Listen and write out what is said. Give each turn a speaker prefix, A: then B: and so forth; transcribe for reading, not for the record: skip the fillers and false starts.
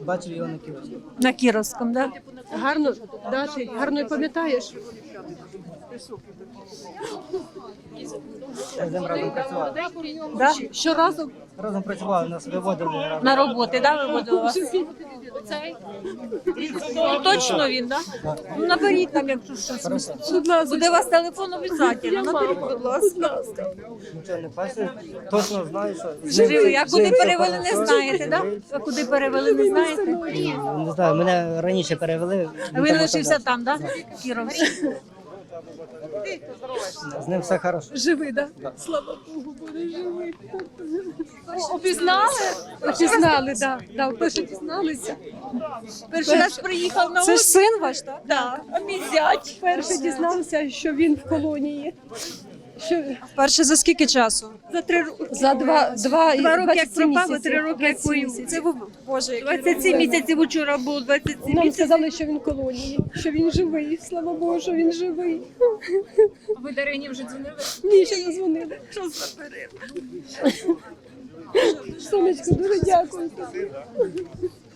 A: бачив його на Кіровську.
B: На Кіровському, так? Да?
C: Гарно, да, ти гарно пам'ятаєш?
A: Я з ним разом працював.
B: Да?
C: Щоразу
A: Разом працювали, нас виводили разом.
B: На роботи, да, виводили вас? Ну, точно він, так? Да? Ну, наберіть нам, якщо щось. Буде у вас телефон обов'язково, наберіть, будь ласка.
A: Нічого не бачив. Точно знаю, що
B: Живий, а куди
A: все
B: перевели, не
A: хорошо,
B: знаєте, так?
A: живий.
B: Да? А куди перевели, не знаєте?
A: Не знаю, мене раніше перевели.
B: А він лишився там, так? Да? Кіровський.
A: З ним все хорошо.
C: живий, да? Слава Богу, буде живий.
B: Опізнали?
C: Пізнали, да. Да, вперше дізналися.
B: Перший раз приїхав на
C: Це ж
B: острів.
C: син ваш, так?
B: Так, а мій зять.
C: Вперше дізнався, що він в колонії. Що
B: Перше за скільки часу? За 3 роки.
C: за два
B: 2 роки як
C: 27
B: пропав,
C: місяців.
B: 3 роки як
C: 27
B: воює.
C: місяців.
B: Це Боже, 27 місяців учора було, 27
C: Нам
B: місяців.
C: сказали, що він в колонії, що він живий. Слава Богу, що він живий.
B: Ви Дарині вже дзвонили?
C: Ні, ще не дзвонили.
B: Що за перерва?
C: Сонечко, дуже дякую тобі.